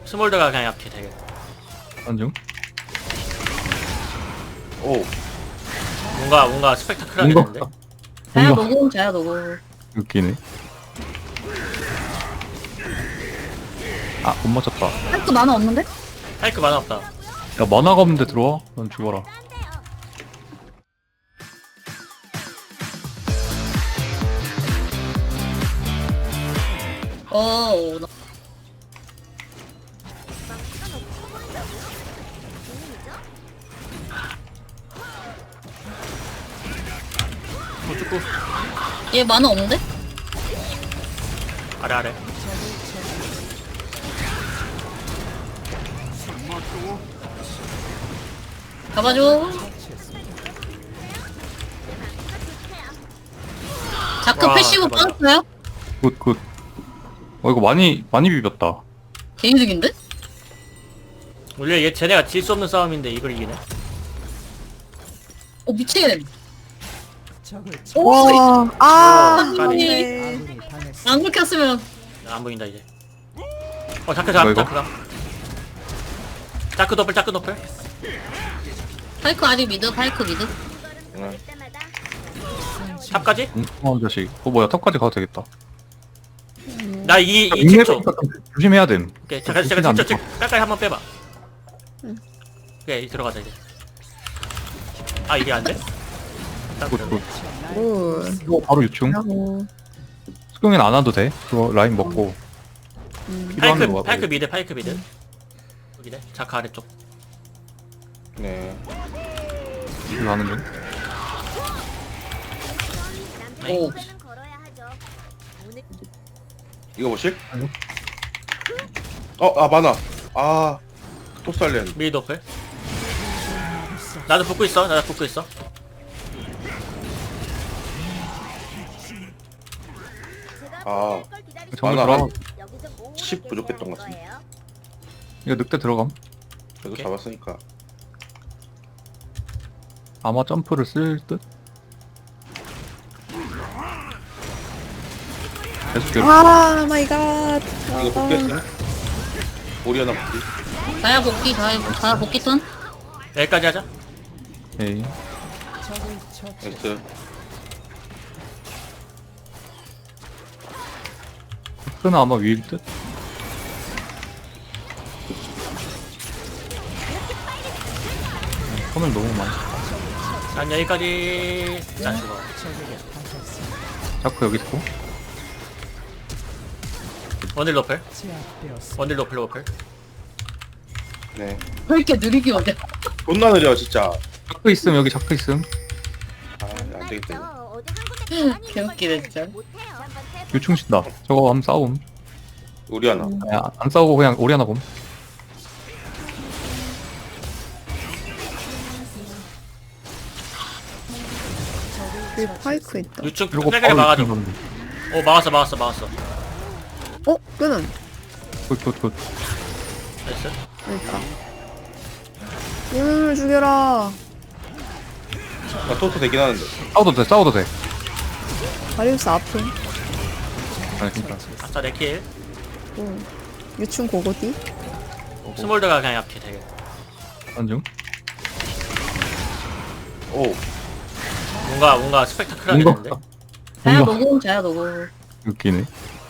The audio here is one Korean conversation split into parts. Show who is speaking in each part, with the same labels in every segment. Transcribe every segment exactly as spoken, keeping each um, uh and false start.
Speaker 1: 스몰드가 그냥 약해 되게.
Speaker 2: 안중.
Speaker 3: 오.
Speaker 1: 뭔가 뭔가 스펙타클하게
Speaker 2: 뭔가
Speaker 1: 되는데.
Speaker 4: 자야
Speaker 2: 뭔가
Speaker 4: 녹음 자야 녹음.
Speaker 2: 웃기네. 아, 못 맞췄다.
Speaker 4: 할거 만화 없는데?
Speaker 1: 파이크 많아 없다.
Speaker 2: 야, 만화가 없는데 들어와? 넌 죽어라.
Speaker 4: 어. 나-
Speaker 1: 뭐 축구
Speaker 4: 얘 만화 없는데?
Speaker 1: 아래 아래.
Speaker 4: 잡아줘. 자크
Speaker 1: 와,
Speaker 4: 패시브
Speaker 1: 잡아줘.
Speaker 4: 빠졌어요?
Speaker 2: 굿, 굿. 어, 이거 많이, 많이 비볐다.
Speaker 4: 개이득인데?
Speaker 1: 원래 얘 쟤네가 질 수 없는 싸움인데 이걸 이기네.
Speaker 4: 어 미치겠네.
Speaker 5: 와, 아,
Speaker 1: 까비.
Speaker 5: 네.
Speaker 4: 안 그렇게 했으면
Speaker 1: 안 보인다 이제. 어 자크 잡
Speaker 2: 이거?
Speaker 1: 자크가. 자크 더블 자크 더블.
Speaker 4: 파이크 아직 미드 파이크 미드.
Speaker 3: 응.
Speaker 1: 탑까지?
Speaker 2: 엉뚱한 자식. 어, 뭐야, 탑까지 가도 되겠다.
Speaker 1: 나 이 이
Speaker 2: 인내
Speaker 1: 십 초.
Speaker 2: 조심해야 됨.
Speaker 1: 오케이 잠깐
Speaker 2: 조심히
Speaker 1: 잠깐
Speaker 2: 안
Speaker 1: 십 초
Speaker 2: 돼.
Speaker 1: 깔깔 한번 빼봐. 오케이 들어가자 이제. 아 이게 안 돼?
Speaker 2: 굿, 굿.
Speaker 5: 오,
Speaker 2: 이거 바로 유충.
Speaker 5: 하고.
Speaker 2: 수경이는 안 와도 돼. 그거 라인 먹고. 필요한
Speaker 1: 파이크
Speaker 2: 거
Speaker 1: 파이크 미드 파이크 미드. 여기네 자크 아래쪽.
Speaker 3: 네.
Speaker 2: 이거 하는 중.
Speaker 4: 오.
Speaker 3: 이거 보실?
Speaker 2: 아니요.
Speaker 3: 어, 아 많아. 아, 톱살렌.
Speaker 1: 미드 더블. 나도 붙고 있어. 나도 붙고 있어.
Speaker 3: 아,
Speaker 2: 정글
Speaker 3: 많아.
Speaker 2: 들어가.
Speaker 3: 십 부족했던 것 같은데.
Speaker 2: 이거 늑대 들어감.
Speaker 3: 그래도
Speaker 1: 오케이.
Speaker 3: 잡았으니까.
Speaker 2: 아마 점프를 쓸 듯? 계속 괴롭.
Speaker 5: 아, 마이 갓.
Speaker 3: 이거 복귀했어요? 오리아나 복귀.
Speaker 4: 자야 복귀 자야 자야 복귀 턴.
Speaker 1: 여기까지 하자.
Speaker 2: 에이.
Speaker 3: 됐어요.
Speaker 2: 흑은 아마 위일 듯? 컴을 너무 많이.
Speaker 1: 난 여기까지. 나 죽어.
Speaker 2: 자꾸 여기 있고.
Speaker 1: 원딜 로플. 원딜 로플 로플.
Speaker 3: 네.
Speaker 4: 왜 이렇게 느리게 오냐?
Speaker 3: 존나 느려 진짜.
Speaker 2: 자크 있음, 여기 자크 있음.
Speaker 3: 아, 안 되겠다 이거.
Speaker 4: 개웃기네 진짜.
Speaker 2: 유충 신다. 저거 한번 싸움.
Speaker 3: 오리아나.
Speaker 2: 야, 안 싸우고 그냥 오리 하나 봄.
Speaker 5: 여기 파이크 있다.
Speaker 1: 유충
Speaker 2: 이러고
Speaker 1: 빼빼게 막아줘.
Speaker 2: 유충
Speaker 1: 오 막았어 막았어 막았어.
Speaker 5: 어, 끄는.
Speaker 2: 굿, 굿, 굿.
Speaker 1: 나이스.
Speaker 5: 여기 있다. 음, 죽여라.
Speaker 3: 나 토토 되긴 하는데.
Speaker 2: 싸워도 돼, 싸워도 돼.
Speaker 5: 다리우스 아픔.
Speaker 2: 아니, 진짜.
Speaker 1: 아싸 내킬.
Speaker 5: 오. 유충 고고디.
Speaker 1: 스몰드가 그냥 약해 되게.
Speaker 2: 안중.
Speaker 3: 오.
Speaker 1: 뭔가 뭔가 스펙타클하게
Speaker 2: 뭔가,
Speaker 1: 되는데.
Speaker 4: 자야
Speaker 2: 뭔가
Speaker 4: 녹음 자야 녹음.
Speaker 2: 웃기네.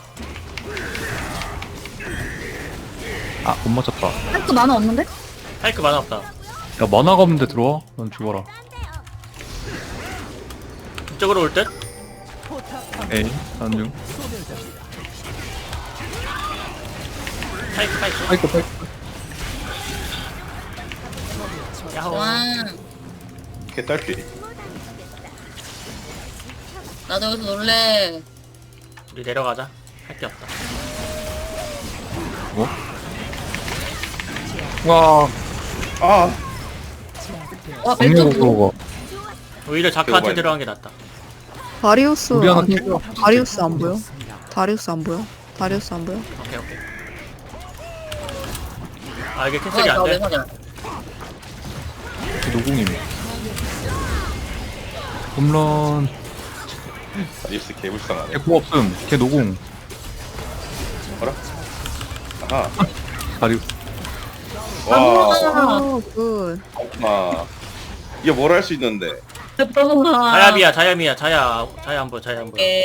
Speaker 2: 아, 못 맞췄다.
Speaker 4: 할거 만화 없는데?
Speaker 1: 파이크 많아 없다.
Speaker 2: 야, 만화가 없는데 들어와? 넌 죽어라.
Speaker 1: 이쪽으로 올 듯?
Speaker 2: 에이, 안중.
Speaker 1: 파이크 파이크.
Speaker 2: 파이크, 파이크.
Speaker 1: 야호.
Speaker 4: 와.
Speaker 3: 개딸피.
Speaker 4: 나도 여기서 놀래.
Speaker 1: 우리 내려가자. 할 게 없다.
Speaker 2: 뭐? 와,
Speaker 3: 아,
Speaker 4: 와
Speaker 2: 정리가
Speaker 4: 벨트.
Speaker 2: 그거가.
Speaker 1: 오히려 자크한테
Speaker 3: 배워봐야
Speaker 1: 들어간 게 낫다.
Speaker 5: 다리우스
Speaker 2: 우리 하나
Speaker 5: 아니,
Speaker 2: 킬러.
Speaker 5: 다리우스 안 보여? 다리우스 안 보여? 다리우스 안 보여?
Speaker 1: 오케이 오케이. 아 이게 캔슬이 안
Speaker 4: 나왜
Speaker 1: 돼.
Speaker 4: 맞아?
Speaker 2: 노공이네. 홈런.
Speaker 3: 다리우스 개불쌍하네.
Speaker 2: 걔 공 없음. 걔 노공.
Speaker 3: 봐라. 아하.
Speaker 2: 다리우스.
Speaker 3: 와,
Speaker 5: 어, 굿.
Speaker 3: 아, 이게 뭘 할 수 있는데?
Speaker 4: 잠깐만.
Speaker 1: 자야비야 자야미야 자야 자야 안 보여 자야 안 보여.
Speaker 4: 예.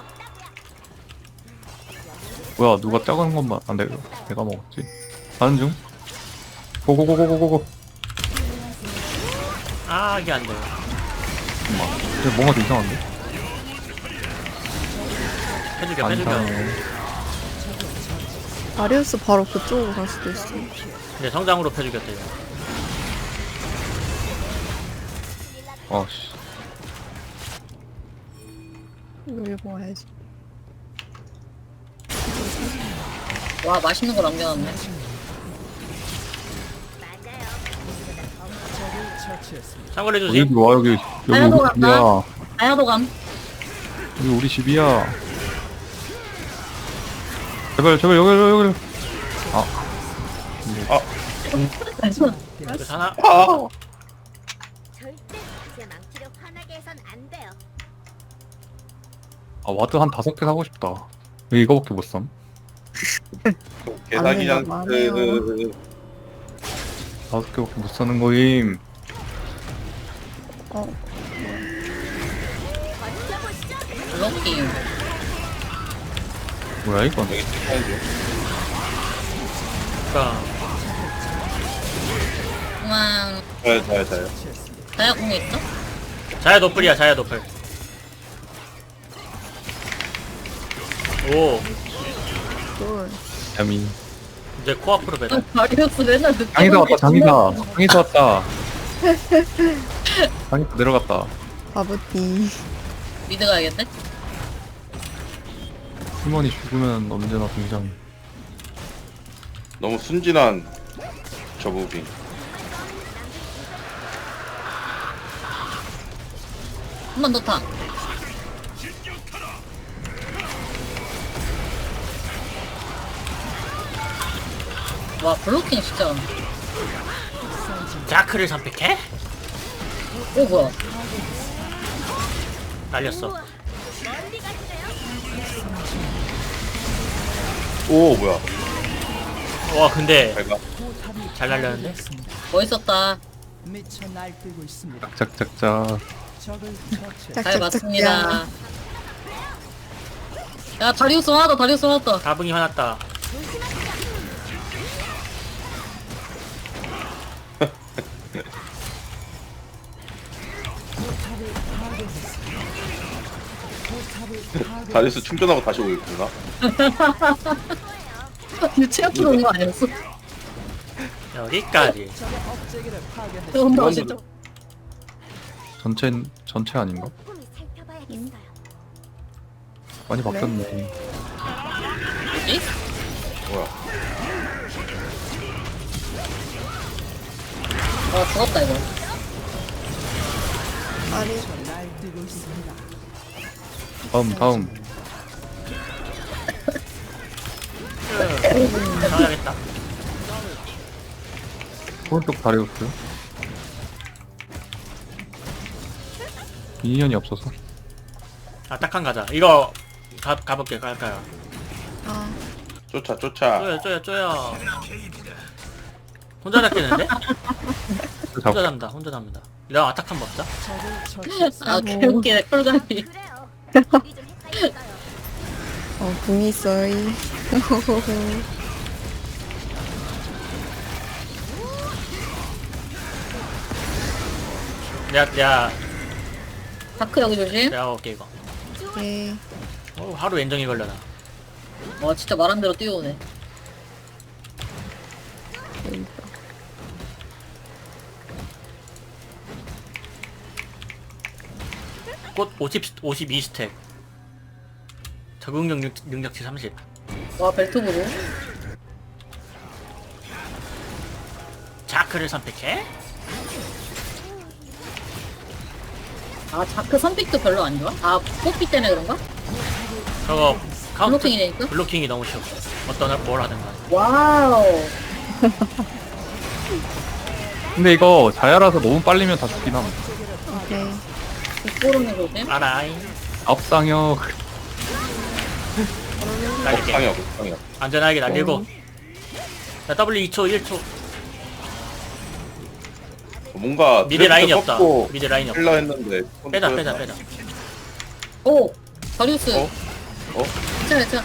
Speaker 2: 뭐야 누가 작은 것만 안 돼. 내가 먹었지. 가는 중. 고고고고고고고.
Speaker 1: 아 이게 안 돼.
Speaker 2: 잠깐만. 근데 뭔가 좀 이상한데?
Speaker 1: 해줄게
Speaker 2: 안
Speaker 1: 해줄게.
Speaker 2: 이상해.
Speaker 5: 다리우스 바로 그쪽으로 갈 수도 있어.
Speaker 1: 이제 성장으로 펴주겠다 이거.
Speaker 2: 어씨.
Speaker 5: 이거 이거 해야지.
Speaker 4: 와, 맛있는 거 남겨놨네.
Speaker 1: 참고로
Speaker 2: 여기
Speaker 1: 해주지.
Speaker 2: 와 여기 여기
Speaker 4: 아야도
Speaker 2: 우리
Speaker 4: 간다.
Speaker 2: 집이야.
Speaker 4: 아야도 감.
Speaker 2: 여기 우리 집이야. 제발 제발 여기 여기 여기. 아
Speaker 1: 이거 사나?
Speaker 3: 아,
Speaker 6: 절대 제 망치를 화나게 해선 안 돼요.
Speaker 2: 아 와드 한 다섯 개 사고 싶다. 왜 이거밖에 못 삼?
Speaker 3: 개사기
Speaker 5: 안 해요, 안 해요.
Speaker 3: 장트.
Speaker 2: 다섯 개밖에 못 사는 거임.
Speaker 5: 어,
Speaker 4: 블록킹.
Speaker 2: 뭐야 이건?
Speaker 3: 여기 찍어온 중.
Speaker 1: 그러니까
Speaker 4: 그만.
Speaker 3: 자요, 자요, 자요.
Speaker 4: 다야 공이 있어?
Speaker 1: 자야 노플이야 자야 노플. 오
Speaker 5: 굿.
Speaker 2: 야미.
Speaker 1: 이제 코앞으로 배달.
Speaker 4: 다리우스 맨날 늦게
Speaker 2: 장이다 왔다
Speaker 4: 오는 게
Speaker 2: 장이다.
Speaker 4: 존나
Speaker 2: 장이다 왔다. 장이다 내려갔다.
Speaker 5: 바보띠.
Speaker 4: 미드 가야겠네?
Speaker 2: 팀원이 죽으면 언제나 등장.
Speaker 3: 너무 순진한 저 무빙.
Speaker 4: 한 번 더 타. 와, 블록킹 진짜.
Speaker 1: 자크를 선택해?
Speaker 4: 오, 뭐야.
Speaker 1: 날렸어.
Speaker 3: 오, 뭐야?
Speaker 1: 와 근데
Speaker 3: 잘 가.
Speaker 1: 잘 날렸는데?
Speaker 4: 멋있었다.
Speaker 7: 미쳐 날뛰고 있습니다.
Speaker 2: 짝짝짝짝.
Speaker 7: 적을 처치.
Speaker 4: 잘 맞습니다. 야, 다리우스 화났다, 다리우스 화났다.
Speaker 1: 다붕이 화났다.
Speaker 3: 다리스 충전하고 다시 오고 있구나.
Speaker 4: 유치원으로 온거 아니었어?
Speaker 1: 여기까지.
Speaker 7: 억제기를 파괴했습니다.
Speaker 4: 너무 멋있죠?
Speaker 2: 전체 전체 아닌가?
Speaker 6: 꼼꼼히 살펴봐야겠어요.
Speaker 2: 많이 바뀌었네.
Speaker 4: 뭐지?
Speaker 3: 뭐야?
Speaker 4: 어, 죽었다, 이거.
Speaker 5: 다리.
Speaker 7: 날뛰고 있습니다.
Speaker 2: 다음 다음.
Speaker 1: 나가야겠다.
Speaker 2: 오른쪽 다리우스. 미니언이 없어서.
Speaker 1: 아 딱한 가자. 이거 가 가볼게 갈까요?
Speaker 5: 아,
Speaker 3: 쫓아, 쫓아.
Speaker 1: 쪼여 쪼여 쪼여. 혼자 잡겠는데? 혼자
Speaker 2: 잡.
Speaker 1: 잡는다. 혼자 잡는다. 내가 아탁 한번 먹자.
Speaker 7: 적을 처치했습니다.
Speaker 4: 아, 개웃기네, 콜감이.
Speaker 6: 그래요. 우리 좀 헷갈렸어요.
Speaker 5: 어, 궁이 있어이.
Speaker 1: 내가 내가
Speaker 4: 다크 여기 조심.
Speaker 1: 내가 먹을게 이거.
Speaker 5: 예.
Speaker 1: 어, 하루 엔정이 걸려나.
Speaker 4: 와, 진짜 말한 대로 뛰어오네.
Speaker 5: 여기 있다.
Speaker 1: 꽃 오십 오십이 스택. 적응 능력 능력치 삼십.
Speaker 4: 와, 벨트부로.
Speaker 1: 자크를 선택해?
Speaker 4: 아, 자크 선픽도 별로 안 좋아? 아, 뽀삐 때문에 그런가?
Speaker 1: 저거 카운트
Speaker 4: 블로킹이 되니까?
Speaker 1: 블로킹이 너무 쉬워. 어떤 뭘 하든 간에.
Speaker 4: 와우.
Speaker 2: 근데 이거 자야라서 너무 빨리면 다 죽긴 함.
Speaker 5: 오케이.
Speaker 4: 뒷보름에 조심.
Speaker 1: 알아잉.
Speaker 2: 앞상역.
Speaker 1: 날릴게.
Speaker 3: 상혁, 상혁.
Speaker 1: 안전하게 날리고. 자 W 이 초 일 초.
Speaker 3: 뭔가
Speaker 1: 미드 라인이
Speaker 3: 드래프트
Speaker 1: 없다.
Speaker 3: 꺾고
Speaker 1: 미드 라인이 없다.
Speaker 3: 힐러 했는데
Speaker 1: 빼다 빼다 빼다.
Speaker 4: 오 다리우스.
Speaker 3: 어? 어?
Speaker 4: 괜찮아 괜찮아.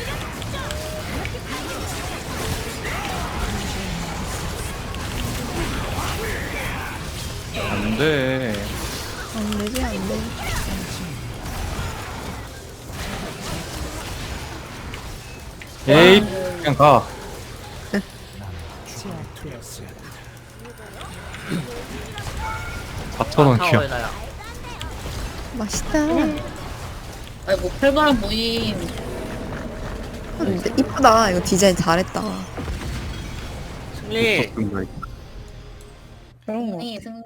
Speaker 2: 안돼.
Speaker 5: 안 되지, 안 돼.
Speaker 2: 에이 그냥 가.
Speaker 7: 제압되었습니다.
Speaker 2: 사천 원
Speaker 1: 타워에
Speaker 2: 귀여.
Speaker 1: 나야.
Speaker 5: 맛있다.
Speaker 4: 아이고 팔바람 모임.
Speaker 5: 근데 이쁘다. 이거 디자인 잘했다.
Speaker 1: 승리.
Speaker 2: 음.
Speaker 5: 그런 거.
Speaker 4: 승리 승리.